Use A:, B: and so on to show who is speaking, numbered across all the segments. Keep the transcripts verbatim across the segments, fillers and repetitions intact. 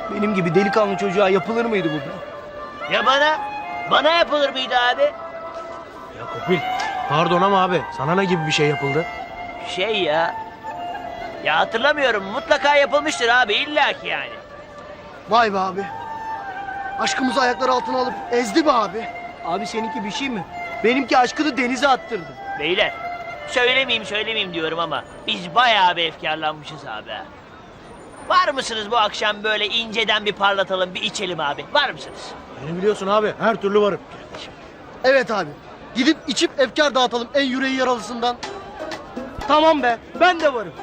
A: Benim gibi delikanlı çocuğa yapılır mıydı bu be?
B: Ya bana? Bana yapılır mıydı abi?
C: Ya Kopil, pardon ama abi sana ne gibi bir şey yapıldı?
B: Şey ya... Ya hatırlamıyorum. Mutlaka yapılmıştır abi. illaki yani.
D: Vay be abi. Aşkımızı ayakları altına alıp ezdi be abi.
A: Abi seninki bir şey mi? Benimki aşkını denize attırdı.
B: Beyler. Söylemeyeyim söylemeyeyim diyorum ama... Biz bayağı bir efkarlanmışız abi. ha. Var mısınız bu akşam böyle inceden bir parlatalım, bir içelim abi? Var mısınız?
C: Beni biliyorsun abi, her türlü varım.
D: Evet abi. Gidip içip efkar dağıtalım en yüreği yaralısından.
A: Tamam be, ben de varım.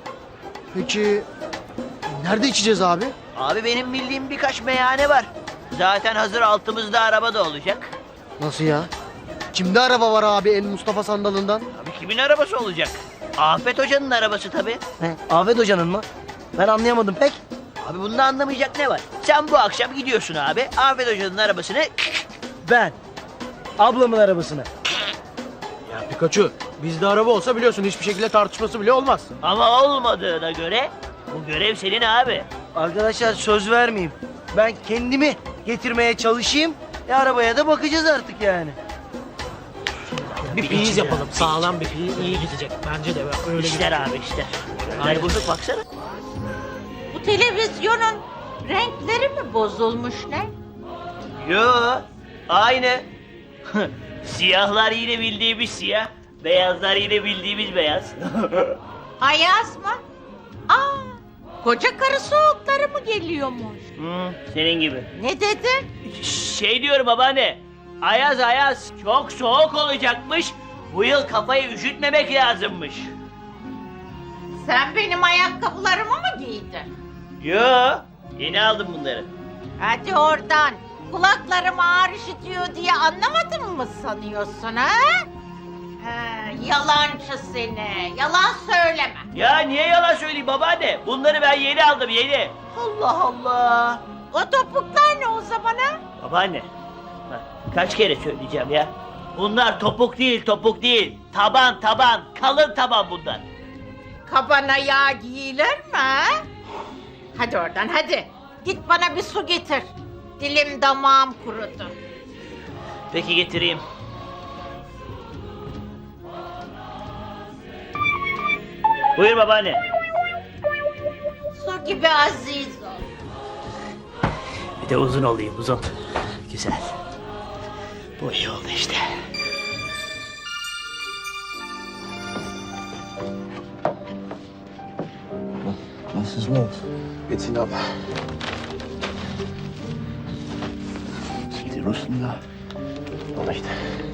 D: Peki nerede içeceğiz abi?
B: Abi benim bildiğim birkaç meyhane var. Zaten hazır altımızda araba da olacak.
D: Nasıl ya? Kimde araba var abi en Mustafa sandalından?
B: Abi kimin arabası olacak? Afet Hoca'nın arabası tabii.
A: He, Afet Hoca'nın mı? Ben anlayamadım pek.
B: Abi bunda anlamayacak ne var? Sen bu akşam gidiyorsun abi. Afet Hoca'nın arabasını...
A: Ben. Ablamın arabasına.
C: Ya Pikachu, bizde araba olsa biliyorsun hiçbir şekilde tartışması bile olmaz.
B: Ama olmadığına göre bu görev senin abi.
A: Arkadaşlar söz vermeyeyim. Ben kendimi getirmeye çalışayım. E arabaya da bakacağız artık yani.
C: Bir fiyiz yapalım, sağlam bir fiyiz iyi gidecek. Bence de öyle
B: İşler abi işler. Ay bozuk baksana.
E: Bu televizyonun renkleri mi bozulmuş ne?
B: Yo aynı. Siyahlar yine bildiğimiz siyah. Beyazlar yine bildiğimiz beyaz.
E: Ayaz mı? Aa, koca karı soğukları mı geliyormuş?
B: Hı, senin gibi.
E: Ne dedi?
B: Şey diyorum babaanne. Ayaz ayaz çok soğuk olacakmış. Bu yıl kafayı üşütmemek lazımmış.
E: Sen benim ayakkabılarımı mı giydin?
B: Yo yeni aldım bunları.
E: Hadi oradan. Kulaklarım ağır işitiyor diye anlamadın mı sanıyorsun ha? He, yalancı seni. Yalan söyleme.
B: Ya niye yalan söyleyeyim babaanne? Bunları ben yeni aldım yeni. Allah Allah.
E: O topuklar ne o zaman ha?
B: Babaanne. Bak, kaç kere söyleyeceğim ya. Bunlar topuk değil topuk değil. Taban taban. Kalın taban bunlar.
E: Kabana yağ giyilir mi ha? Hadi oradan hadi. Git bana bir su getir. Dilim damağım kurudu.
B: Peki getireyim. Buyur babaanne.
E: Su gibi aziz ol.
B: Bir de uzun olayım uzun. Güzel. Bu iyi oldu işte.
F: Was ist los? Geht's Ihnen ab? Sie Russen da? Doch nicht.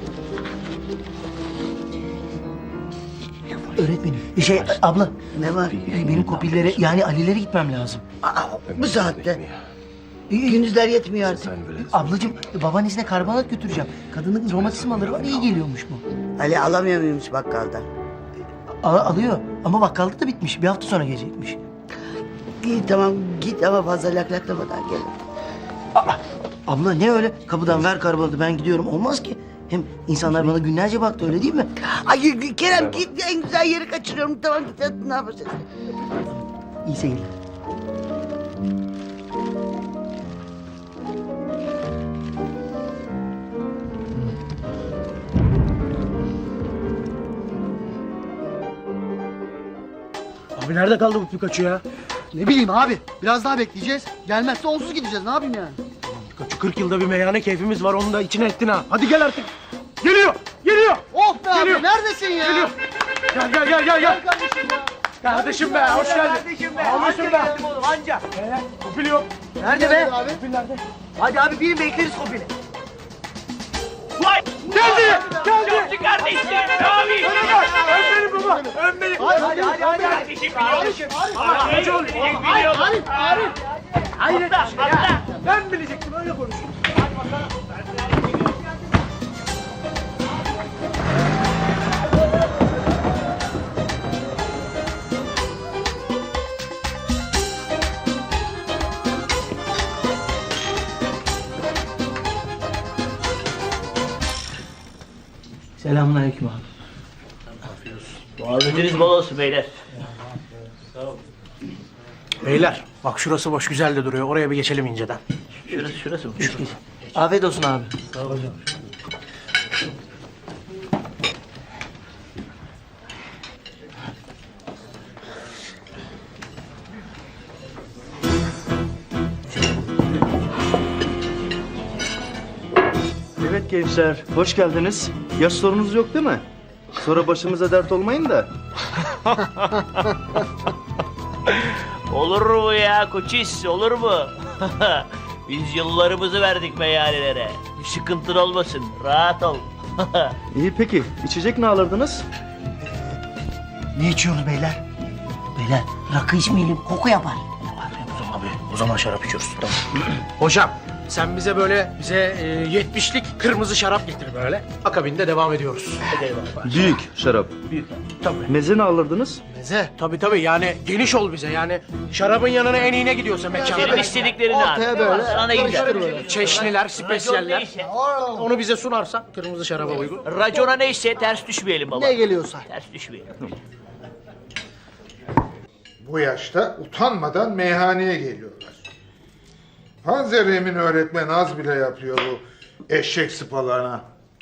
A: Öğretmenim. Şey abla. Ne var? Benim kopillere yani Ali'lere gitmem lazım.
G: Bu saatte. Gündüzler yetmiyor artık.
A: Ablacığım babaannesine karbonat götüreceğim. Kadının romatizmaları var iyi geliyormuş bu.
G: Ali alamıyor muymuş bakkaldan?
A: Al alıyor ama bakkalda da bitmiş. Bir hafta sonra gelecekmiş.
G: İyi tamam git ama fazla laklaklamadan gel.
A: Aa, abla ne öyle? Kapıdan ver karbonatı ben gidiyorum. Olmaz ki. Hem insanlar bana günlerce baktı öyle değil mi?
G: Ay Kerem git en güzel yeri kaçırıyorum. Tamam git hadi ne yapacaksın?
A: İyi seyirler.
C: Abi nerede kaldı bu Pikachu ya?
D: Ne bileyim abi. Biraz daha bekleyeceğiz. Gelmezse onsuz gideceğiz. Ne yapayım yani?
C: Pikachu kırk yılda bir meyhane keyfimiz var, onu da içine ettin ha. Hadi gel artık. Geliyor, geliyor.
D: Oh be
C: Geliyor.
D: abi neredesin ya?
C: Geliyor. Gel gel gel gel gel.
D: Kardeşim ya.
C: Kardeşim be, hoş geldin.
A: Kardeşim be.
C: Ağlıyorsun
A: Anca
C: be.
A: geldim oğlum anca.
C: Ee, Kopil yok.
A: Nerede be?
D: Abi.
A: Hadi abi biri bekleriz kopili.
B: Vay!
C: Geldi, geldi.
B: Çocuk kardeşim! Abi!
C: Ön beni baba, ön beni.
A: Hadi hadi hadi hadi.
B: Kardeşim biliyorum. Ama
C: Kaç oğlum?
B: biliyorum.
D: Arif, Arif.
C: Hayret
B: Atla,
C: bir şey ya.
B: atla.
C: Ben bilecektim, öyle konuşuyorum.
A: Selamünaleyküm abi.
B: Muhabbetiniz bol olsun beyler.
C: Beyler bak şurası boş güzel de duruyor. Oraya bir geçelim inceden.
B: Şurası şurası mı?
A: Afiyet olsun abi.
H: Evet gençler, hoş geldiniz. Yaş sorunuz yok değil mi? Sonra başımıza dert olmayın da.
B: Olur mu ya koçis, olur mu? Biz yıllarımızı verdik meyhanelere. Bir sıkıntın olmasın, rahat ol.
H: İyi peki, içecek ne alırdınız?
A: Ne içiyoruz beyler? Beyler rakı içmeyelim koku yapar.
C: Abi o zaman şarap içiyoruz. Tamam. Hocam sen bize böyle bize e, yetmişlik kırmızı şarap getir böyle. Akabinde devam ediyoruz.
H: Büyük şarap.
C: Büyük. Tabii.
H: Meze ne alırdınız?
C: Meze. Tabii tabii yani geniş ol bize yani. Şarabın yanına en iyi ne gidiyorsa mekanda.
B: Senin istediklerini abi.
D: Ortaya böyle
B: Sana ne güzel.
D: karıştır böyle.
C: Çeşniler,
B: Racon
C: spesiyeller.
B: neyse,
C: Onu bize sunarsan kırmızı şaraba uygun.
B: racona neyse ters düşmeyelim baba.
D: Ne geliyorsa.
B: Ters düşmeyelim.
I: Bu yaşta utanmadan meyhaneye geliyorlar. Panzer Emin öğretmen az bile yapıyor bu eşek sıpalarına.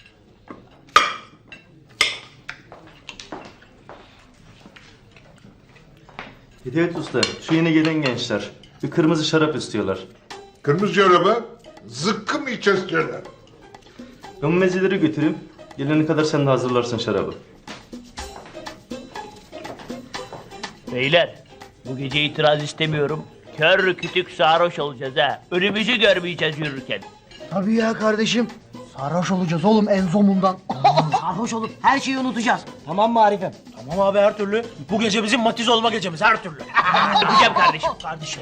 H: Hidayet Usta, şu yeni gelen gençler. Bir kırmızı şarap istiyorlar.
I: Kırmızı çoraba zıkkı mı içiyorlar?
H: Ben bu mezeleri götüreyim. Gelene kadar sen de hazırlarsın şarabı.
B: Beyler, bu gece itiraz istemiyorum. Kör kütük sarhoş olacağız ha. Önümüzü görmeyeceğiz yürürken.
D: Tabii ya kardeşim. Sarhoş olacağız oğlum en zomundan.
A: Sarhoş olup her şeyi unutacağız. Tamam mı Arif'im?
C: Tamam abi her türlü. Bu gece bizim matiz olma gecemiz her türlü.
B: Öpeceğim kardeşim.
C: Kardeşim.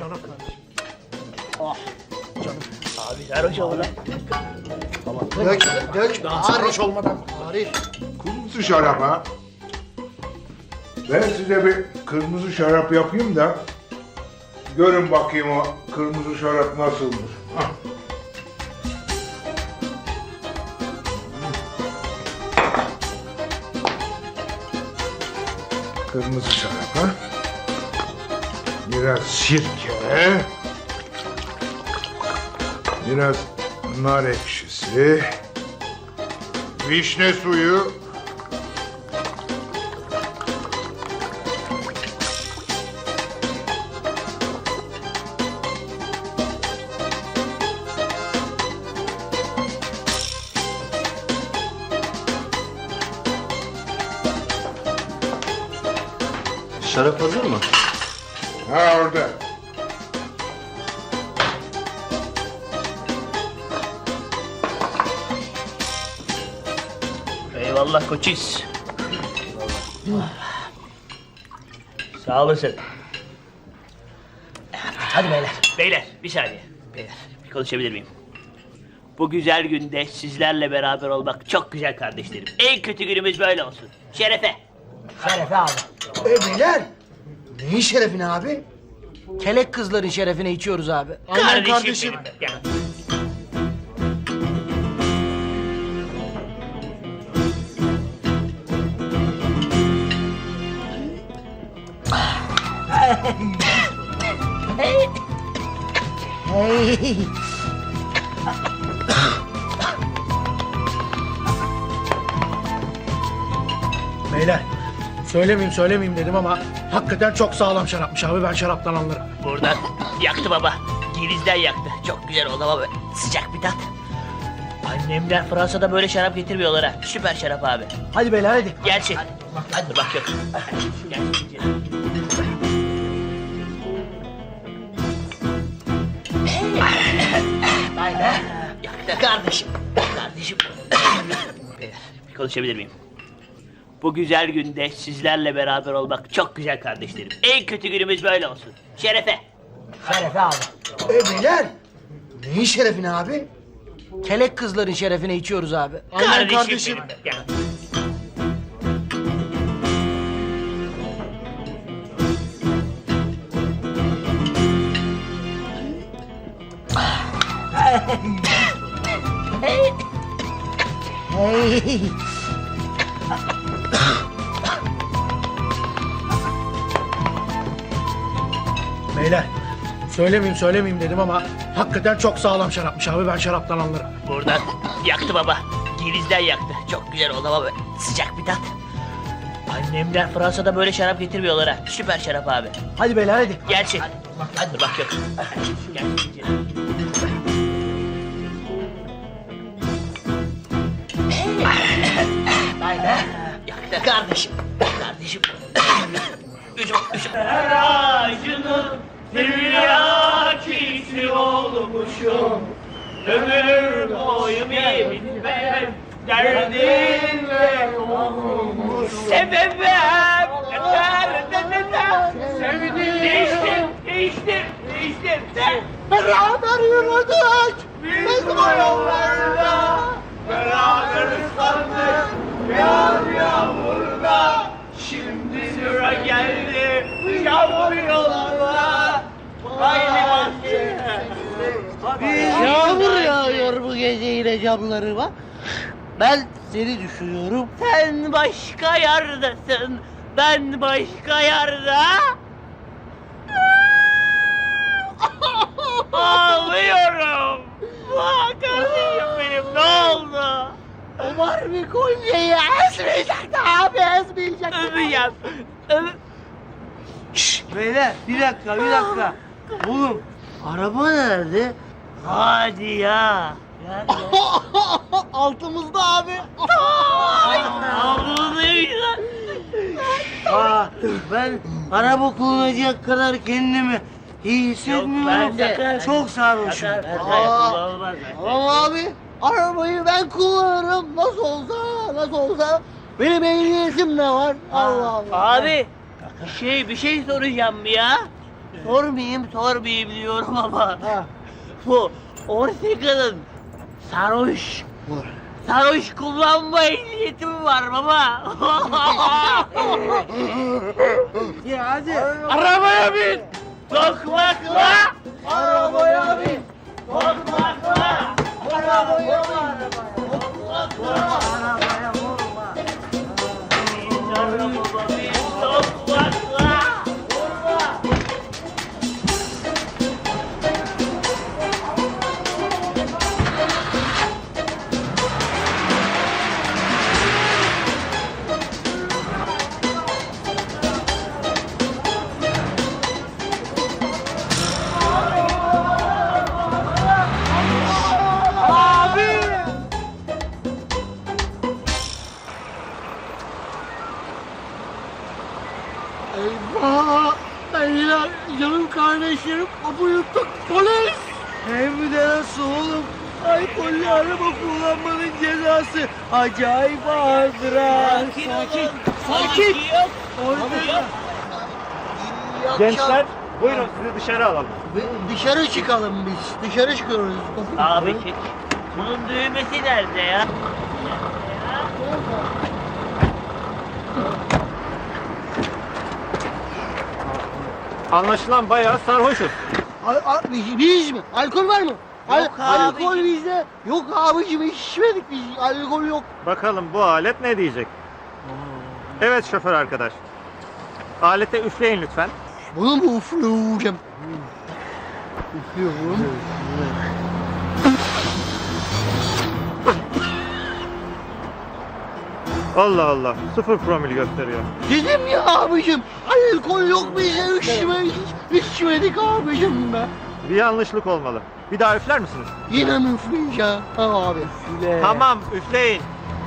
B: Abi sarhoş ol lan.
D: Dök, dök.
C: Daha sarhoş olmadan.
D: Arif.
I: Kırmızı şarap ha? Ben size bir kırmızı şarap yapayım da görün bakayım o kırmızı şarap nasıldır. Hah. Kırmızı şarap ha? Biraz sirke. Biraz nar ekşisi. Vişne suyu.
H: Şarap hazır mı?
I: Ha orada.
B: Eyvallah koçis. Sağ olasın. Hadi beyler. Beyler bir saniye. Beyler bir konuşabilir miyim? Bu güzel günde sizlerle beraber olmak çok güzel kardeşlerim. En kötü günümüz böyle olsun. Şerefe.
A: Şerefe abi.
D: E beyler. Neyin şerefine abi?
A: Kelek kızların şerefine içiyoruz abi.
D: Aynen kardeşim.
B: benim. Ya.
A: Hey.
C: Beyler söylemeyeyim söylemeyeyim dedim ama hakikaten çok sağlam şarapmış abi ben şaraptan anlarım.
B: Buradan yaktı baba. Girizden yaktı. Çok güzel oldu ama böyle sıcak bir tat. Annemler Fransa'da böyle şarap getirmiyorlar ha. Süper şarap abi.
A: Hadi beyler hadi.
B: Gerçek. Hadi bak yok. Gerçek.
A: Vay be.
B: Yaktı. Kardeşim. Kardeşim. Beyler, bir konuşabilir miyim? Bu güzel günde sizlerle beraber olmak çok güzel kardeşlerim. En kötü günümüz böyle olsun. Şerefe.
A: Şerefe abi.
D: E beyler. Neyin şerefine abi?
A: Kelek kızların şerefine içiyoruz abi.
D: Aynen kardeşim.
B: benim. Ya.
A: Hey.
C: Beyler söylemeyeyim söylemeyeyim dedim ama hakikaten çok sağlam şarapmış abi. Ben şaraptan anlarım.
B: Buradan yaktı baba. Girizden yaktı. Çok güzel oldu ama böyle sıcak bir tat. Annemler Fransa'da böyle şarap getirmiyorlar ha. Süper şarap abi.
C: Hadi beyler hadi.
B: Gerçi. Hadi bak yok. Gel. Yaktı. Kardeşim. Kardeşim. Üzüm, üzüm. Her ağacının tiryakisi olmuşum. Ömür boyu bitmem derdinle olmuş. Sebebim derdinle sevdim. Değiştim, değiştim, değiştim.
D: Beraber yürüdük.
B: Biz bu yollarda beraber ıslandık. Yağmur yağmurda şimdi sıra geldi. Yağmur yollarda haydi bahçeye.
D: Yağmur yağıyor bu gece yine camlarıma. Ben seni düşünüyorum.
B: Sen başka yerdesin, ben başka yerde. Ağlıyorum. Aa, kardeşim benim ne oldu?
D: Ömer bir kolyeyi ezmeyecekti abi ezmeyecekti.
B: Öpeceğim. Öp.
A: Beyler bir dakika bir dakika. Oğlum araba nerede?
B: Hadi ya.
D: Altımızda abi.
B: Ağlıyla.
A: Aa, ben araba kullanacak kadar kendimi iyi hissetmiyorum
B: ben
A: da
B: sakın-
A: çok sarhoşum.
D: Aa, Tamam abi. Arabayı ben kullanırım. Nasıl olsa nasıl olsa. Benim ehliyetim de var. Allah Allah.
B: Abi şey bir şey soracağım ya. Sormayayım sormayayım diyorum ama.
D: Ha.
B: Bu Orteka'nın sarhoş. Sarhoş kullanma ehliyeti mi var baba?
A: Ya hadi.
B: Arabaya bin! Tokmakla!
D: Arabaya bin.
B: Tokmakla!
D: Arabaya bin.
A: Arabaya vurma.
B: Bin arabama bin tokmakla!
D: Eyvah! Beyler, canım kardeşlerim, kapı yuttuk, polis!
A: Hem de nasıl oğlum? Alkollü araba kullanmanın cezası acayip ağırdır ha.
B: Sakin!
D: Sakin!
B: Ortega!
H: Gençler buyurun sizi dışarı alalım.
D: Dışarı çıkalım biz, dışarı çıkıyoruz.
B: Abi çek. Bunun düğmesi nerede ya?
H: Anlaşılan bayağı sarhoşuz.
D: Al, al, biz, biz mi? Alkol var mı? Al,
B: Yok
D: alkol
B: abicim.
D: bizde. Yok abicim, içmedik biz, alkol yok.
H: Bakalım bu alet ne diyecek? Evet şoför arkadaş. Alete üfleyin lütfen.
D: Bunu mu üfleyeceğim? Üflüyorum.
H: Allah Allah. Sıfır promil gösteriyor.
D: Dedim ya abicim, alkol yok bize, içmedik, içmedik abicim be.
H: Bir yanlışlık olmalı. Bir daha üfler misiniz?
D: Yine mi üfleyeceğim? Ha abi.
H: Tamam üfleyin.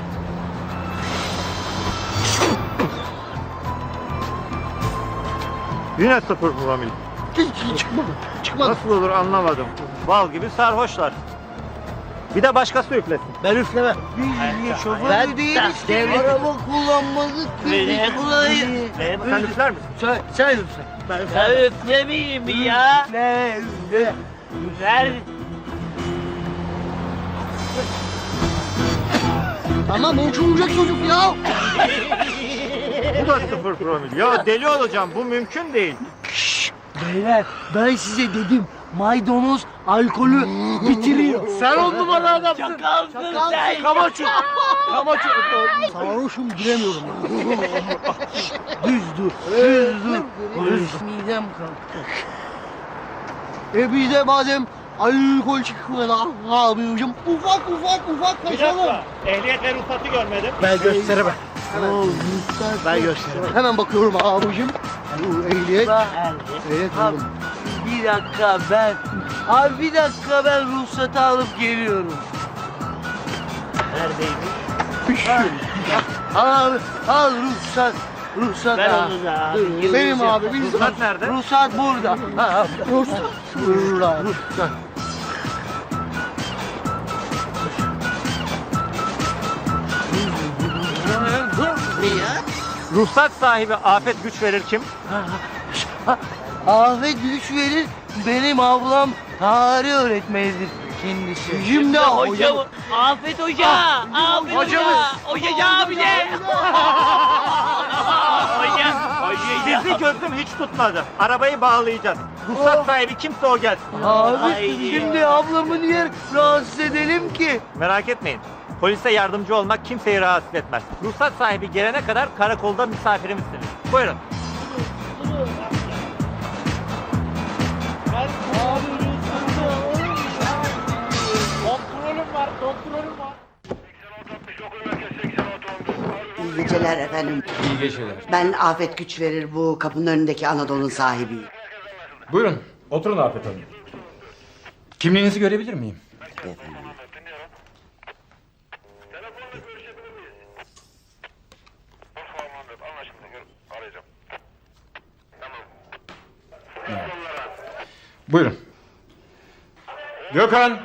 H: Yine sıfır promil.
D: Hiç çıkmadı, çıkmadı.
H: Nasıl olur anlamadım. Bal gibi sarhoşlar. Bir de başkası üflesin.
D: Ben üflemem.
A: Biz şoför
D: Ben
A: mü değiliz ki?
D: devlet-
A: Araba kullanmadık
B: Beni
A: biz kullanayım.
H: Sen üfler misin?
A: Sen, sen üfle. Ben
B: Ya üflemeyeyim ya.
A: üfle, üfle.
B: Ver.
D: Tamam, uçuracak çocuk ya.
H: Bu da sıfır promil. Ya deli olacağım. Bu mümkün değil.
A: Beyler ben size dedim maydanoz alkolü bitiriyor.
D: Sen on numara adamsın.
B: Çakalsın sen.
D: Kamaço. Kamaço. Sarhoşum, giremiyorum.
A: Düz dur, düz dur. Düz midem kalktı.
D: E bize madem alkol çıkmadan abicim ufak ufak ufak kaçalım.
C: Ehliyet ve ruhsatı görmedim. Ben gösteremem. Ben gösteremem.
D: Hemen bakıyorum abicim. Bu ehliyet. Ehliyet
A: Abi,
D: buldum.
A: bir dakika ben... Abi bir dakika ben ruhsatı alıp geliyorum. Abi al ruhsat. Ruhsat
B: Ver
A: al.
B: onu da.
A: Dur,
D: Benim abi biz
C: Ruhsat nerede?
A: Ruhsat burada. Ha,
D: Ruhsat. Burada.
A: ruhsat.
C: Ruhsat sahibi Afet Güç verir kim?
A: Afet güç verir. Benim ablam tarih öğretmenidir kendisi. Şimdi
B: Hocam, Afet Hoca, Afet Hoca, Hoca abi de. Hoca, Hoca.
C: Sizi gözüm hiç tutmadı. Arabayı bağlayacağız. Ruhsat sahibi kimse o gelsin.
A: Abi
B: Ay.
A: şimdi ablamı niye rahatsız edelim ki?
C: Merak etmeyin. Polise yardımcı olmak kimseyi rahatsız etmez. Ruhsat sahibi gelene kadar karakolda misafirimizsiniz. Buyurun. Kontrolüm var, kontrolüm var.
G: İyi geceler efendim.
F: İyi geceler.
G: Ben Afet Güç verir bu kapının önündeki Anadolu'nun sahibiyim.
F: Buyurun, oturun Afet Hanım. Kimliğinizi görebilir miyim?
G: Efendim.
F: Buyurun. Gökhan,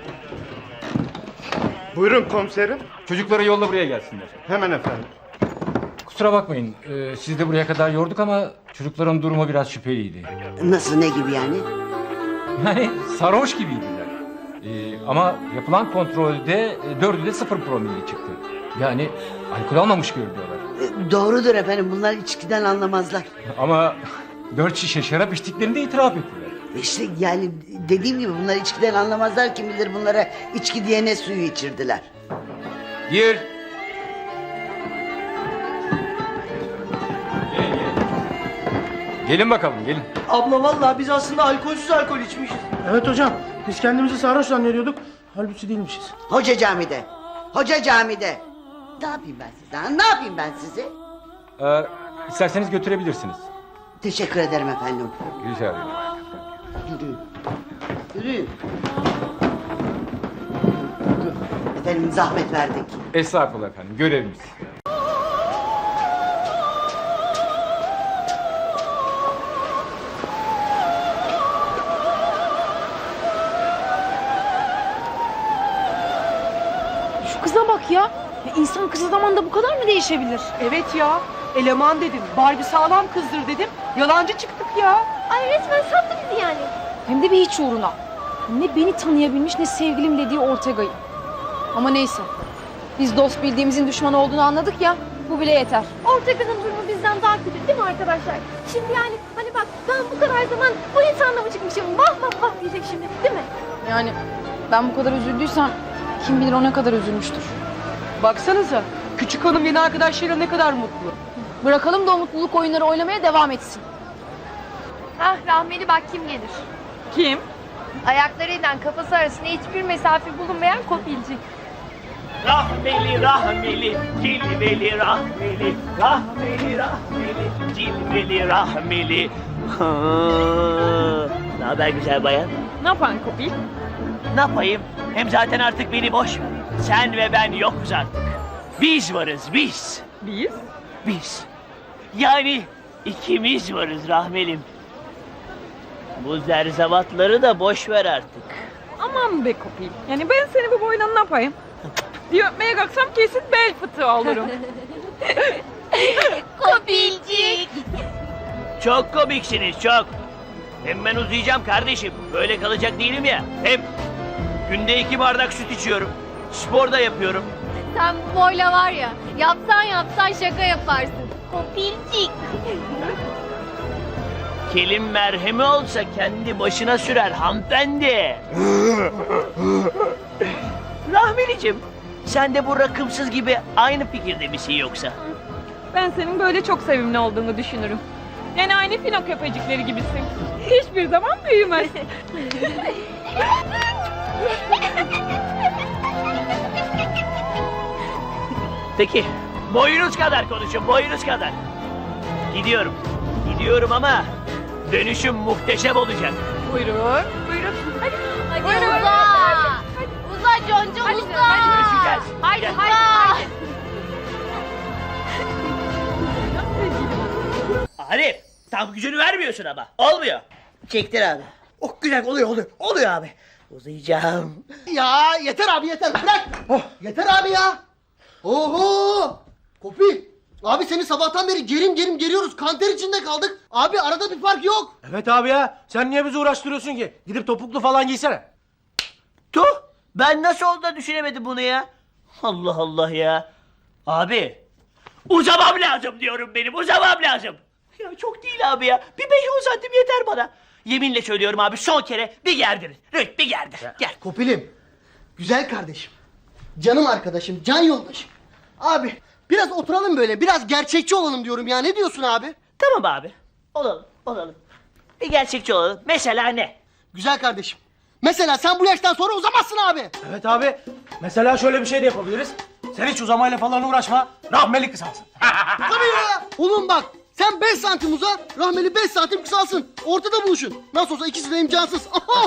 C: Buyurun komiserim.
F: çocukları yolla buraya gelsinler.
C: Hemen efendim.
F: Kusura bakmayın, e, sizi de buraya kadar yorduk ama çocukların durumu biraz şüpheliydi.
G: Nasıl, ne gibi yani?
F: Yani sarhoş gibiydiler. E, ama yapılan kontrolde e, dördü de sıfır promille çıktı. Yani alkol almamış görünüyorlar.
G: E, Doğrudur efendim, bunlar içkiden anlamazlar.
F: Ama dört şişe şarap içtiklerini de itiraf ettiler.
G: İşte yani dediğim gibi bunlar içkiden anlamazlar, kim bilir bunlara içki diye ne suyu içirdiler.
F: Gir. Gelin bakalım, gelin.
A: Abla vallahi biz aslında alkolsüz alkol içmişiz.
C: Evet hocam. Biz kendimizi sarhoş zannediyorduk. Halbuki değilmişiz.
G: Hoca camide, hoca camide. Ne yapayım ben size, ha? Ne yapayım ben sizi?
F: Ee, isterseniz götürebilirsiniz.
G: Teşekkür ederim efendim.
F: Rica ederim.
G: Yürüyün. Yürüyün. Efendim zahmet verdik.
F: Estağfurullah efendim, görevimiz.
J: Şu kıza bak ya. Ya İnsan kısa zamanda bu kadar mı değişebilir?
K: Evet ya. Eleman dedim. Barbie sağlam kızdır dedim. Yalancı çıktık ya.
J: Ay resmen sattı bizi yani. Hem de bir hiç uğruna. Ne beni tanıyabilmiş ne sevgilim dediği Ortega'yı. Ama neyse. Biz dost bildiğimizin düşman olduğunu anladık ya. Bu bile yeter.
L: Ortega'nın durumu bizden daha kötü değil mi arkadaşlar? Şimdi yani hani bak ben bu kadar zaman bu insanla mı çıkmışım? Vah vah vah diyecek şimdi değil mi?
J: Yani ben bu kadar üzüldüysem kim bilir o ne kadar üzülmüştür.
K: Baksanıza. Küçük hanım yeni arkadaşlarıyla ne kadar mutlu.
J: Bırakalım da o mutluluk oyunları oynamaya devam etsin.
L: Ah rahmeli bak kim gelir.
K: Kim?
L: Ayaklarıyla kafası arasında hiçbir mesafe bulunmayan kopilci.
B: Rahmeli, rahmeli, cilveli, rahmeli, rahmeli, rahmeli, cilveli, rahmeli. Ne haber güzel bayan?
K: Ne yapan kopil?
B: Ne yapayım? Hem zaten artık beni boş ver. Sen ve ben yokuz artık. Biz varız, biz.
K: Biz?
B: Biz. Yani ikimiz varız rahmelim. Bu zerzevatları da boş ver artık.
K: Aman be kopil. Yani ben seni bu boyla ne yapayım? Bir öpmeye kalksam kesin bel fıtığı olurum.
L: Kopilcik.
B: Çok komiksiniz, çok. Hem ben uzayacağım kardeşim. Böyle kalacak değilim ya. Hem günde iki bardak süt içiyorum. Spor da yapıyorum.
L: Sen bu boyla var ya yapsan yapsan şaka yaparsın. Kopilcik.
B: Kelim merhemi olsa kendi başına sürer hanımefendi. Rahmelicim, sen de bu rakımsız gibi aynı fikirde misin yoksa?
K: Ben senin böyle çok sevimli olduğunu düşünürüm. Yani aynı fino köpecikleri gibisin. Hiçbir zaman büyümez.
B: Peki, boyunuz kadar konuşun, boyunuz kadar. Gidiyorum, gidiyorum ama dönüşüm muhteşem olacak.
K: Buyurun, buyurun. Hadi, hadi.
L: Buyurun.
K: Buyurun.
L: Uza. Uza Conco
K: Hadi,
L: uza.
K: hadi.
B: Görüşeceğiz.
K: Haydi,
B: Gel.
K: haydi, haydi.
B: Arif, tam gücünü vermiyorsun ama. Olmuyor.
D: Çektir abi. Oh güzel oluyor oluyor. Oluyor abi. Uzayacağım. Ya yeter abi yeter. Bırak. Oh yeter abi ya. Oho. Kopi. Abi seni sabahtan beri gerim gerim geriyoruz. Kanter içinde kaldık. Abi arada bir fark yok.
C: Evet abi ya. Sen niye bizi uğraştırıyorsun ki? Gidip topuklu falan giysene.
B: Tuh, ben nasıl oldu da düşünemedim bunu ya? Allah Allah ya. Abi, uzamam lazım diyorum benim, uzamam lazım. Ya çok değil abi ya, bir beş on santim yeter bana. Yeminle söylüyorum abi, son kere bir gerdir. Rüt bir gerdir, gel.
D: Kopilim. Güzel kardeşim. Canım arkadaşım. Can yoldaşım. Abi biraz oturalım böyle. Biraz gerçekçi olalım diyorum ya. Ne diyorsun abi?
B: Tamam abi, olalım, olalım. Bir gerçekçi olalım, mesela ne?
D: Güzel kardeşim. Mesela sen bu yaştan sonra uzamazsın abi.
C: Evet abi. Mesela şöyle bir şey de yapabiliriz. Sen hiç uzamayla falan uğraşma. Rahmeli kısalsın.
D: Tabii ya. Oğlum bak. Sen beş santim uza, rahmeli beş santim kısalsın. Ortada buluşun. Nasıl olsa ikisi de imkansız.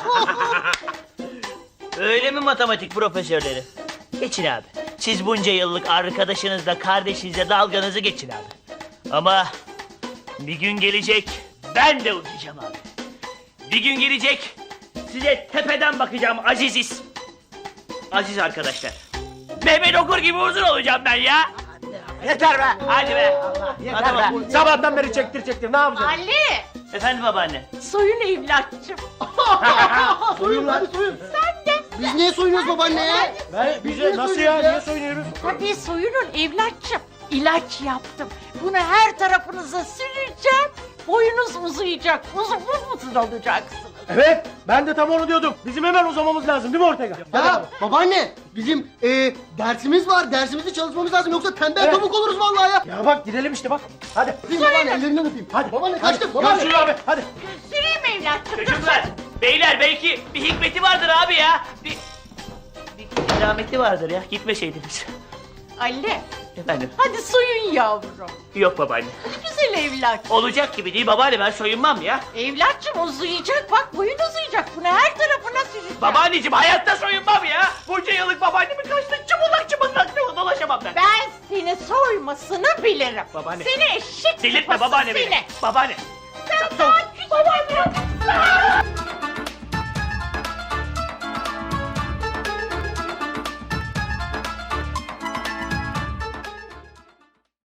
B: Öyle mi matematik profesörleri? Geçin abi. Siz bunca yıllık arkadaşınızla, kardeşinizle dalganızı geçin abi. Ama bir gün gelecek, ben de uzayacağım abi. Bir gün gelecek, size tepeden bakacağım aziziz. Aziz arkadaşlar. Mehmet Okur gibi uzun olacağım ben ya.
C: Yeter be.
B: Hadi be.
C: Yeter
B: Hadi
C: be. Sabahtan beri çektir çektir. Ne yapacaksın?
E: Ali,
B: Efendim babaanne.
E: soyun evlatçım.
D: Soyun hadi soyun.
E: Sen de.
D: Biz niye soyunuyoruz babaanneye?
C: Ben, bize nasıl ya? Niye soyunuyoruz?
E: Tabii soyunun evlatçım. İlaç yaptım. Bunu her tarafınıza süreceğim. Boyunuz uzayacak. Uzun uzun olacaksınız.
C: Evet. Ben de tam onu diyordum. Bizim hemen uzamamız lazım değil mi Ortega?
D: Ya babaanne bizim e, dersimiz var. Dersimizi çalışmamız lazım. Yoksa tembel
C: Evet.
D: tavuk oluruz vallahi ya.
C: Ya bak gidelim işte bak. Hadi.
D: Öpeyim babaanne ellerinden öpeyim.
C: Hadi.
D: Babaanne
C: Hadi.
D: kaçtık babaanne.
C: Görüşürüz abi. Hadi.
E: Süreyim evlatçım.
B: Çocuklar, beyler belki bir hikmeti vardır abi ya. Bir, bir kerameti vardır ya. Gitmeseydiniz.
E: Ali,
B: Efendim?
E: hadi soyun yavrum.
B: Yok babaanne.
E: Hadi güzel evlat.
B: Olacak gibi değil babaanne, ben soyunmam ya.
E: Evlatçım uzayacak. Bak boyun uzayacak. Bunu her tarafına süreceğim.
B: Babaanneciğim hayatta soyunmam ya. Bunca yıllık babaannemin kaçtı çımıldak çımıldak dolaşamam ben.
E: Ben seni soymasını bilirim.
B: Babaanne.
E: Seni eşek
B: Delirtme
E: sıpası
B: babaanne
E: seni.
B: beni. Babaanne.